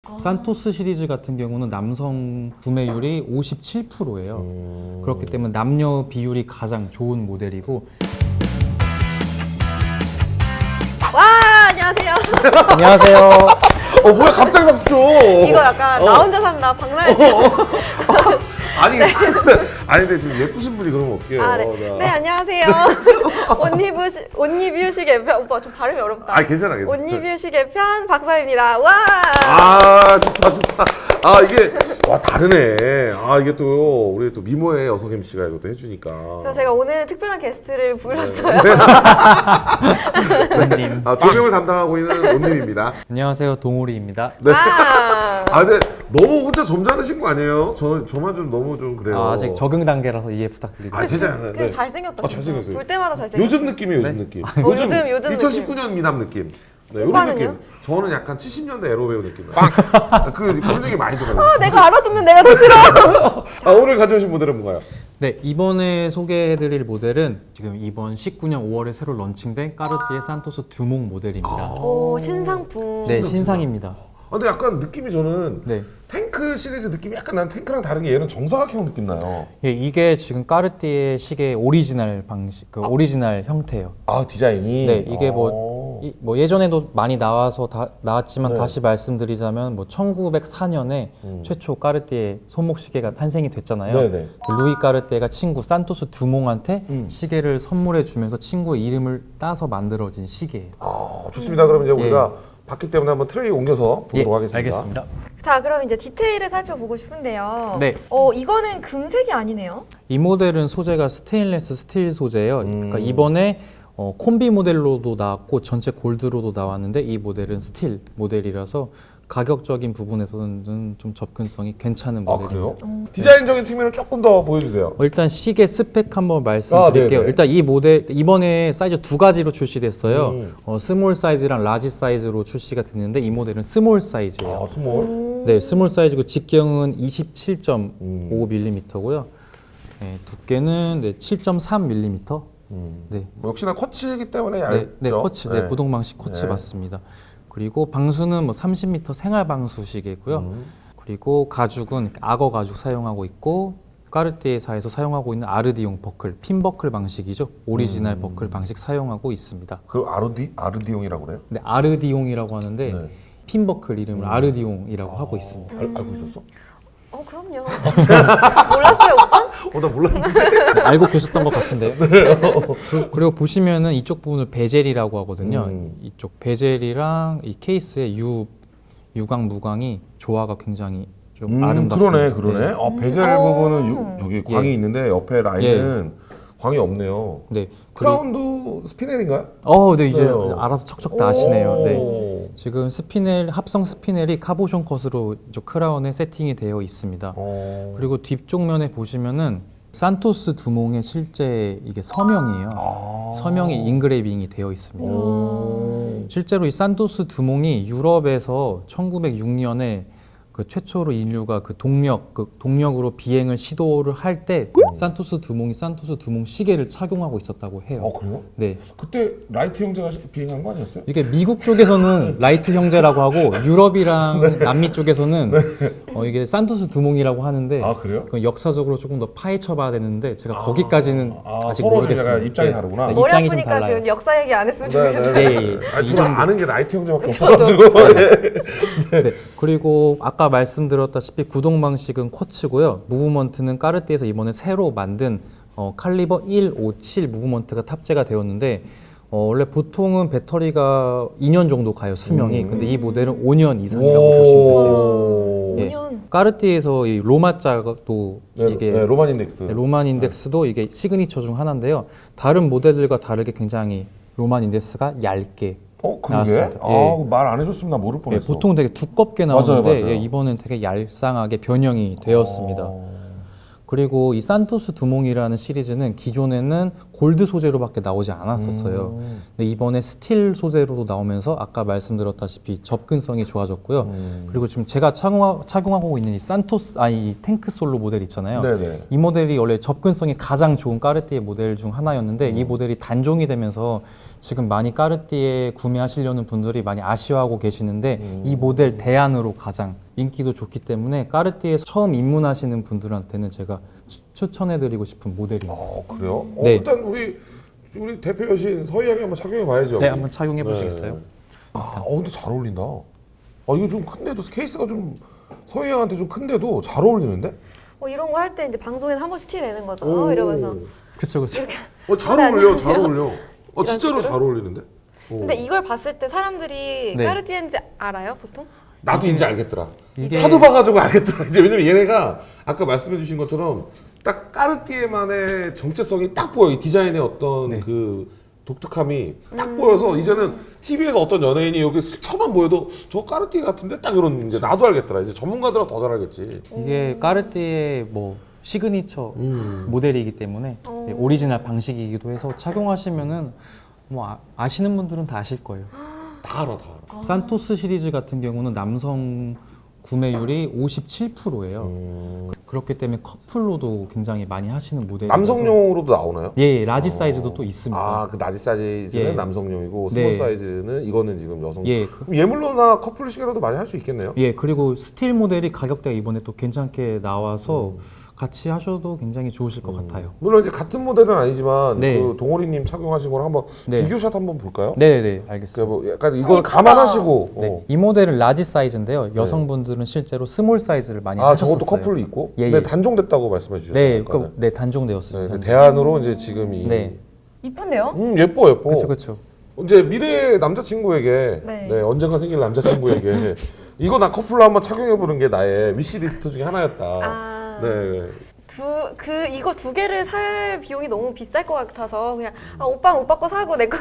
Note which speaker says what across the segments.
Speaker 1: 산토스 시리즈 같은 경우는 남성 구매율이 57%예요. 그렇기 때문에 남녀 비율이 가장 좋은 모델이고.
Speaker 2: 와, 안녕하세요.
Speaker 1: 안녕하세요.
Speaker 3: 뭐야 갑자기 박수 쳐.
Speaker 2: 이거 약간 나 혼자 산다 박나래.
Speaker 3: 아니 근데 지금 예쁘신 분이 그러면 어떡해요.
Speaker 2: 아, 네, 안녕하세요. 옷리뷰식 개편. 오빠 좀 발음이 어렵다.
Speaker 3: 아 괜찮아.
Speaker 2: 옷리뷰식 개편 박사입니다. 와.
Speaker 3: 좋다. 이게 다르네. 이게 또 우리 또 미모의 여성 MC가 이것도 해주니까.
Speaker 2: 그래서 제가 오늘 특별한 게스트를 불렀어요.
Speaker 1: 온님.
Speaker 3: 조명을 담당하고 있는 온님입니다.
Speaker 1: 안녕하세요, 동우리입니다.
Speaker 3: 네.
Speaker 2: 아,
Speaker 3: 근데 너무 혼자 점잖으신 거 아니에요? 저만 좀 너무 좀 그래요.
Speaker 1: 아직 적응 단계라서 이해 부탁드립니다.
Speaker 3: 괜찮아요.
Speaker 2: 근데 잘생겼다. 진짜.
Speaker 3: 잘생겼어요.
Speaker 2: 볼 때마다 잘생겼어.
Speaker 3: 요즘 느낌이에요, 요즘
Speaker 1: 네?
Speaker 3: 느낌.
Speaker 2: 요즘
Speaker 3: 2019년 미남 느낌. 네, 요런
Speaker 2: 오빠는요?
Speaker 3: 느낌. 저는 약간 70년대 에로 배우 느낌. 그런 얘기 많이 들어요.
Speaker 2: 내가 알아듣는 내가 더 싫어.
Speaker 3: 오늘 가져오신 모델은 뭔가요?
Speaker 1: 네, 이번에 소개해드릴 모델은 지금 이번 19년 5월에 새로 런칭된 까르띠에 산토스 듀몽 모델입니다.
Speaker 2: 오, 신상품.
Speaker 1: 네, 신상입니다.
Speaker 3: 근데 약간 느낌이 저는
Speaker 1: 네.
Speaker 3: 탱크 시리즈 느낌이 약간 난 탱크랑 다르게 얘는 정사각형 느낌 나요.
Speaker 1: 예, 이게 지금 까르띠에 시계의 오리지널 방식, 오리지널 형태예요.
Speaker 3: 디자인이.
Speaker 1: 네, 이게 뭐 예전에도 많이 나왔지만
Speaker 3: 네.
Speaker 1: 다시 말씀드리자면 1904년에 최초 까르띠에 손목 시계가 탄생이 됐잖아요.
Speaker 3: 네네.
Speaker 1: 그 루이 까르띠에가 친구 산토스 두몽한테 시계를 선물해 주면서 친구의 이름을 따서 만들어진 시계예요.
Speaker 3: 좋습니다. 그럼 이제 우리가 봤기 때문에 한번 트레이 옮겨서 보도록 하겠습니다.
Speaker 1: 알겠습니다.
Speaker 2: 자, 그럼 이제 디테일을 살펴보고 싶은데요.
Speaker 1: 네.
Speaker 2: 이거는 금색이 아니네요.
Speaker 1: 이 모델은 소재가 스테인레스 스틸 소재예요. 그러니까 이번에 콤비 모델로도 나왔고 전체 골드로도 나왔는데 이 모델은 스틸 모델이라서 가격적인 부분에서는 좀 접근성이 괜찮은 모델입니다.
Speaker 3: 그래요? 디자인적인 측면을 조금 더 보여주세요.
Speaker 1: 일단 시계 스펙 한번 말씀드릴게요.
Speaker 3: 네네.
Speaker 1: 일단 이 모델 이번에 사이즈 두 가지로 출시됐어요. 스몰 사이즈랑 라지 사이즈로 출시가 됐는데 이 모델은 스몰 사이즈예요.
Speaker 3: 스몰.
Speaker 1: 네, 스몰 사이즈고 직경은 27.5mm고요. 네, 두께는 7.3mm. 네.
Speaker 3: 역시나 쿼츠이기 때문에 얇죠.
Speaker 1: 네, 쿼츠, 네, 고동 방식 쿼츠 맞습니다. 그리고 방수는 30m 생활 방수 시계고요. 그리고 가죽은 악어 가죽 사용하고 있고 까르띠에사에서 사용하고 있는 아르디용 버클, 핀 버클 방식이죠. 오리지널 버클 방식 사용하고 있습니다.
Speaker 3: 그 아르디용이라고 그래요?
Speaker 1: 네, 아르디용이라고 하는데
Speaker 3: 네.
Speaker 1: 핀 버클 이름을 아르디용이라고 하고 있습니다.
Speaker 3: 알고 있었어?
Speaker 2: 그럼요. 몰랐어요, 오빠?
Speaker 3: 나 몰랐는데.
Speaker 1: 알고 계셨던 것 같은데요. 그리고 보시면은 이쪽 부분을 베젤이라고 하거든요. 이쪽 베젤이랑 이 케이스의 유광 무광이 조화가 굉장히 좀 아름답습니다.
Speaker 3: 그러네. 베젤 부분은 저기 광이 있는데 옆에 라인은 광이 없네요.
Speaker 1: 네.
Speaker 3: 크라운도 스피넬인가요?
Speaker 1: 네, 이제
Speaker 3: 네.
Speaker 1: 알아서 척척 다 아시네요. 네.
Speaker 3: 오.
Speaker 1: 지금 합성 스피넬이 카보션 컷으로 이쪽 크라운에 세팅이 되어 있습니다. 그리고 뒤쪽면에 보시면은 산토스 두몽의 실제 이게 서명이에요. 서명이 인그레이빙이 되어 있습니다. 실제로 이 산토스 두몽이 유럽에서 1906년에 그 최초로 인류가 동력으로 비행을 시도를 할 때 산토스 두몽이 산토스 두몽 시계를 착용하고 있었다고 해요.
Speaker 3: 그래요?
Speaker 1: 네.
Speaker 3: 그때 라이트 형제가 비행한 거 아니었어요?
Speaker 1: 이게 미국 쪽에서는 라이트 형제라고 하고 유럽이랑 남미 쪽에서는 이게 산토스 두몽이라고 하는데
Speaker 3: 그래요?
Speaker 1: 그건 역사적으로 조금 더 파헤쳐봐야 되는데 제가 거기까지 아직
Speaker 3: 서로
Speaker 1: 모르겠습니다.
Speaker 3: 입장이 다르구나.
Speaker 1: 네,
Speaker 2: 머리
Speaker 1: 입장이 좀
Speaker 2: 아프니까
Speaker 1: 달라요.
Speaker 2: 지금 역사 얘기 안 했으면 좋겠어요.
Speaker 1: 네.
Speaker 3: 저도 아는 게 라이트 형제밖에 없어가지고.
Speaker 1: 네. 그리고 아까 말씀드렸다시피 구동 방식은 쿼츠고요. 무브먼트는 까르띠에서 이번에 새로 만든 칼리버 157 무브먼트가 탑재가 되었는데 원래 보통은 배터리가 2년 정도 가요, 수명이. 근데 이 모델은 5년 이상이라고 보시면 되세요. 예.
Speaker 2: 5년.
Speaker 1: 까르띠에서 이 로마자도 이게
Speaker 3: 로만 인덱스.
Speaker 1: 로만 인덱스도 이게 시그니처 중 하나인데요. 다른 모델들과 다르게 굉장히 로만 인덱스가 얇게
Speaker 3: 그러게?
Speaker 1: 나왔습니다.
Speaker 3: 말 안 해줬으면 나 모를 뻔했어.
Speaker 1: 보통 되게 두껍게 나오는데
Speaker 3: 맞아요.
Speaker 1: 이번엔 되게 얄쌍하게 변형이 되었습니다. 그리고 이 산토스 두몽이라는 시리즈는 기존에는 골드 소재로밖에 나오지 않았었어요. 근데 이번에 스틸 소재로도 나오면서 아까 말씀드렸다시피 접근성이 좋아졌고요. 그리고 지금 제가 착용하고 있는 이 이 탱크 솔로 모델 있잖아요.
Speaker 3: 네네.
Speaker 1: 이 모델이 원래 접근성이 가장 좋은 까르띠에 모델 중 하나였는데 이 모델이 단종이 되면서 지금 많이 까르띠에 구매하시려는 분들이 많이 아쉬워하고 계시는데 이 모델 대안으로 가장 인기도 좋기 때문에 까르띠에 처음 입문하시는 분들한테는 제가 추천해드리고 싶은 모델이에요.
Speaker 3: 그래요?
Speaker 1: 네.
Speaker 3: 일단 우리 대표 여신 서희양이 한번 착용해 봐야죠.
Speaker 1: 네, 한번 착용해 보시겠어요?
Speaker 3: 근데 잘 어울린다. 이거 좀 큰데도 케이스가 좀 서희양한테 좀 큰데도 잘 어울리는데?
Speaker 2: 이런 거 할 때 이제 방송에서 한 번씩 티 내는 거죠. 이러면서.
Speaker 1: 그쵸.
Speaker 3: 잘 어울려, 잘 어울려. 진짜로 잘 어울리는데?
Speaker 2: 근데 이걸 봤을 때 사람들이
Speaker 1: 네.
Speaker 2: 까르띠에인지 알아요, 보통?
Speaker 3: 나도 이제 알겠더라.
Speaker 1: 이게-
Speaker 3: 하도 봐가지고 알겠더라. 이제 왜냐면 얘네가 아까 말씀해주신 것처럼 딱 까르띠에만의 정체성이 딱 보여. 이 디자인의 어떤
Speaker 1: 네.
Speaker 3: 그 독특함이 딱 보여서 이제는 TV에서 어떤 연예인이 여기 스쳐만 보여도 저 까르띠에 같은데 딱 이런 이제 나도 알겠더라. 이제 전문가들은 더 잘 알겠지.
Speaker 1: 이게 까르띠에 뭐 시그니처 모델이기 때문에 오리지널 방식이기도 해서 착용하시면은 뭐 아시는 분들은 다 아실 거예요.
Speaker 3: 다 알아.
Speaker 1: 산토스 시리즈 같은 경우는 남성 구매율이 57%예요. 그렇기 때문에 커플로도 굉장히 많이 하시는 모델이라서
Speaker 3: 남성용으로도 나오나요?
Speaker 1: 예, 라지 사이즈도 또 있습니다.
Speaker 3: 그 나지 사이즈는
Speaker 1: 예.
Speaker 3: 남성용이고
Speaker 1: 네.
Speaker 3: 스몰 사이즈는 이거는 지금 여성.
Speaker 1: 예,
Speaker 3: 그럼 예물로나 커플 시계로도 많이 할 수 있겠네요.
Speaker 1: 예, 그리고 스틸 모델이 가격대가 이번에 또 괜찮게 나와서 같이 하셔도 굉장히 좋으실 것 같아요.
Speaker 3: 물론 이제 같은 모델은 아니지만
Speaker 1: 네.
Speaker 3: 그 동호리님 착용하신 걸 한번
Speaker 1: 네.
Speaker 3: 비교샷 한번 볼까요?
Speaker 1: 네,
Speaker 3: 그러니까
Speaker 1: 알겠습니다.
Speaker 3: 뭐 약간 이걸
Speaker 2: 이쁘다.
Speaker 3: 감안하시고.
Speaker 1: 네, 이 모델은 라지 사이즈인데요. 여성분들은 실제로 스몰 사이즈를 많이 하셨었어요.
Speaker 3: 저것도 커플로 있고.
Speaker 1: 예,
Speaker 3: 네,
Speaker 1: 예.
Speaker 3: 단종됐다고 말씀해 주셨어요.
Speaker 1: 네, 단종되었습니다.
Speaker 3: 네, 대안으로 이제 지금 이.
Speaker 1: 네,
Speaker 2: 이쁜데요?
Speaker 3: 예뻐.
Speaker 1: 그렇죠.
Speaker 3: 이제 미래 남자친구에게
Speaker 2: 네.
Speaker 3: 언젠가 생길 남자친구에게 이거 나 커플로 한번 착용해 보는 게 나의 위시리스트 중에 하나였다. 네.
Speaker 2: 이거 두 개를 살 비용이 너무 비쌀 것 같아서 그냥 오빠 거 사고 내 거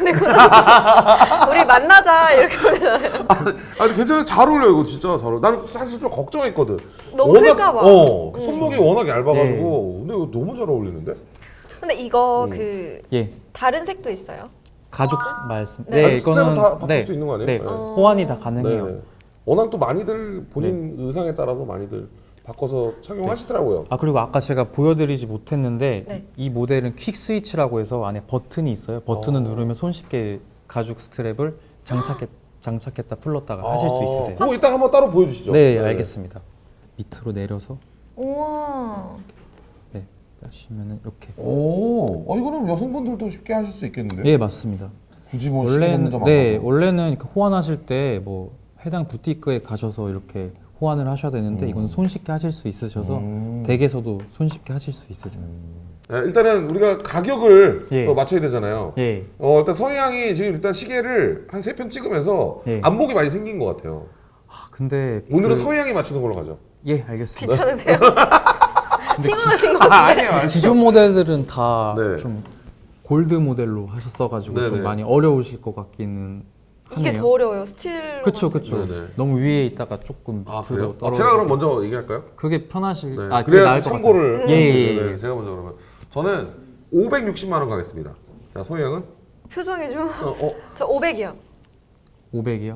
Speaker 2: 사고 우리 만나자 이렇게 보내잖아요.
Speaker 3: 아니 괜찮아, 잘 어울려. 이거 진짜 잘 어울려. 나는 사실 좀 걱정했거든.
Speaker 2: 너무 클까 봐.
Speaker 3: 그 손목이 워낙 얇아가지고. 근데 이거 너무 잘 어울리는데?
Speaker 2: 근데 이거
Speaker 1: 예,
Speaker 2: 다른 색도 있어요?
Speaker 1: 가죽 말씀.
Speaker 3: 아니, 스트랩은 다 바꿀 수 있는 거 아니에요?
Speaker 1: 네,
Speaker 3: 네.
Speaker 1: 호환이 다 가능해요.
Speaker 3: 네. 워낙 또 많이들 본인 의상에 따라서 많이들 바꿔서 착용하시더라고요.
Speaker 1: 그리고 아까 제가 보여드리지 못했는데
Speaker 2: 네.
Speaker 1: 이 모델은 퀵 스위치라고 해서 안에 버튼이 있어요. 버튼을 누르면 손쉽게 가죽 스트랩을 장착했다 풀렀다가 하실 수 있으세요.
Speaker 3: 그거 이따 한번 따로 보여주시죠.
Speaker 1: 네, 알겠습니다. 밑으로 내려서
Speaker 2: 우와.
Speaker 1: 네, 하시면은 이렇게.
Speaker 3: 이거는 여성분들도 쉽게 하실 수 있겠는데?
Speaker 1: 예, 맞습니다.
Speaker 3: 굳이 뭐 시계 전문점 안 가고.
Speaker 1: 원래는 이렇게 호환하실 때 뭐 해당 부티크에 가셔서 이렇게 호환을 하셔야 되는데 이건 손쉽게 하실 수 있으셔서 댁에서도 손쉽게 하실 수 있으세요.
Speaker 3: 네, 일단은 우리가 가격을
Speaker 1: 예.
Speaker 3: 또 맞춰야 되잖아요.
Speaker 1: 예,
Speaker 3: 일단 서희양이 지금 일단 시계를 한 3편 찍으면서
Speaker 1: 예.
Speaker 3: 안목이 많이 생긴 것 같아요.
Speaker 1: 근데
Speaker 3: 오늘은 서희양이 맞추는 걸로 가죠.
Speaker 1: 예, 알겠습니다.
Speaker 2: 괜찮으세요? 피곤하신 거 같아요.
Speaker 3: 아니에요.
Speaker 1: 기존 모델들은 다 좀
Speaker 3: 네.
Speaker 1: 골드 모델로 하셨어가지고
Speaker 3: 네네.
Speaker 1: 좀 많이 어려우실 것 같기는
Speaker 2: 이게
Speaker 1: 하네요.
Speaker 2: 더 어려워요. 스틸.
Speaker 1: 그쵸.
Speaker 3: 네네.
Speaker 1: 너무 위에 있다가 조금
Speaker 3: 그래요?
Speaker 1: 밑으로 떨어져.
Speaker 3: 제가 그럼 먼저 얘기할까요?
Speaker 1: 그게 편하실.
Speaker 3: 네.
Speaker 1: 그게
Speaker 3: 그래야
Speaker 1: 나을
Speaker 3: 좀
Speaker 1: 것
Speaker 3: 참고를.
Speaker 1: 같아요. 예.
Speaker 3: 네, 제가 먼저 그러면 저는 560만 원 가겠습니다. 자, 서희양은?
Speaker 2: 표정이 좀.
Speaker 3: 어,
Speaker 2: 저 500이요.
Speaker 1: 500이요?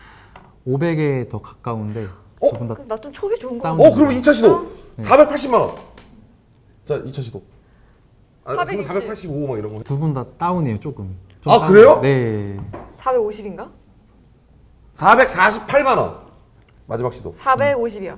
Speaker 1: 500에 더 가까운데
Speaker 3: 어?
Speaker 1: 두 분 다
Speaker 2: 나 좀 촉이 좋은 거
Speaker 1: 다운.
Speaker 2: 같아.
Speaker 3: 그럼 2차 시도 480만 원. 자, 2차 시도.
Speaker 2: 420.
Speaker 3: 485 막 이런 거.
Speaker 1: 두 분 다 다운이에요 조금. 좀
Speaker 3: 아, 그래요?
Speaker 1: 네.
Speaker 2: 450인가?
Speaker 3: 448만 원. 마지막 시도.
Speaker 2: 450이요.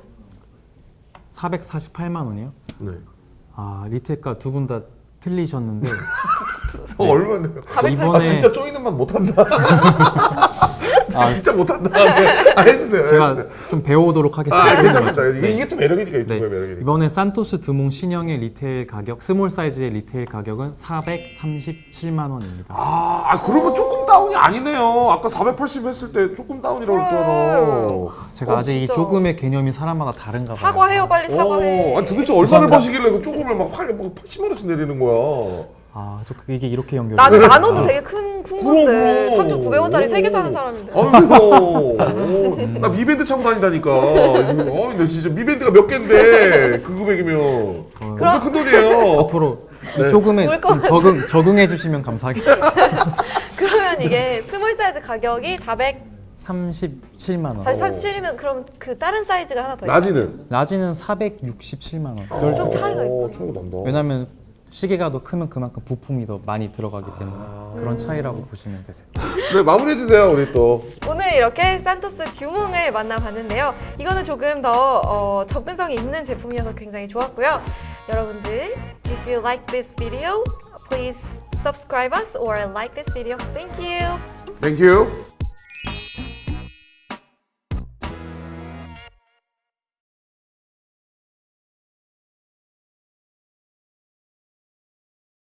Speaker 1: 448만 원이요?
Speaker 3: 네.
Speaker 1: 리테카 두 분 다 틀리셨는데
Speaker 3: 얼마나?
Speaker 1: 이번에
Speaker 3: 진짜 쪼이는 맛 못한다.
Speaker 1: 아,
Speaker 3: 진짜 못한다. 네. 해주세요.
Speaker 1: 제가
Speaker 3: 해주세요.
Speaker 1: 좀 배워오도록 하겠습니다.
Speaker 3: 괜찮습니다. 이게 또 매력이니까
Speaker 1: 네.
Speaker 3: 유튜브의 매력이니까.
Speaker 1: 이번에 산토스 드몽 신형의 리테일 가격, 스몰 사이즈의 리테일 가격은 437만 원입니다.
Speaker 3: 그러면 조금 다운이 아니네요. 아까 480 했을 때 조금 다운이라고 했잖아.
Speaker 1: 제가 아직 이
Speaker 2: 진짜.
Speaker 1: 조금의 개념이 사람마다 다른가 봐요.
Speaker 2: 사과해요, 빨리 사과해.
Speaker 3: 아니 도대체 얼마를
Speaker 1: 죄송합니다.
Speaker 3: 버시길래 그 조금을 막 80만 원씩 내리는 거야.
Speaker 1: 이게 이렇게 연결이
Speaker 2: 나는
Speaker 1: 돼요.
Speaker 2: 나눠도 되게 큰 건데
Speaker 3: 그럼.
Speaker 2: 3,900원짜리 3개 사는 사람인데.
Speaker 3: 아이고, 나 미밴드 차고 다니다니까. 나 진짜 미밴드가 몇 갠데 그 금액이면 엄청 큰 돈이에요.
Speaker 1: 앞으로
Speaker 3: 네.
Speaker 1: 조금은
Speaker 2: 올 것
Speaker 1: 적응해 주시면 감사하겠습니다.
Speaker 2: 그러면 이게 스몰 사이즈 가격이
Speaker 1: 37만 원.
Speaker 2: 437이면 그럼 그 다른 사이즈가 하나 더 있어요?
Speaker 3: 라지는?
Speaker 1: 라지는 467만 원.
Speaker 2: 좀 차이가 있군요.
Speaker 3: 차이가 난다.
Speaker 1: 왜냐면 시계가 더 크면 그만큼 부품이 더 많이 들어가기 때문에 그런 차이라고 보시면 되세요.
Speaker 3: 네, 마무리해 주세요. 우리 또.
Speaker 2: 오늘 이렇게 산토스 듀몽을 만나봤는데요. 이거는 조금 더 접근성이 있는 제품이어서 굉장히 좋았고요. 여러분들, if you like this video, please subscribe us or like this video. Thank you.
Speaker 3: Thank you.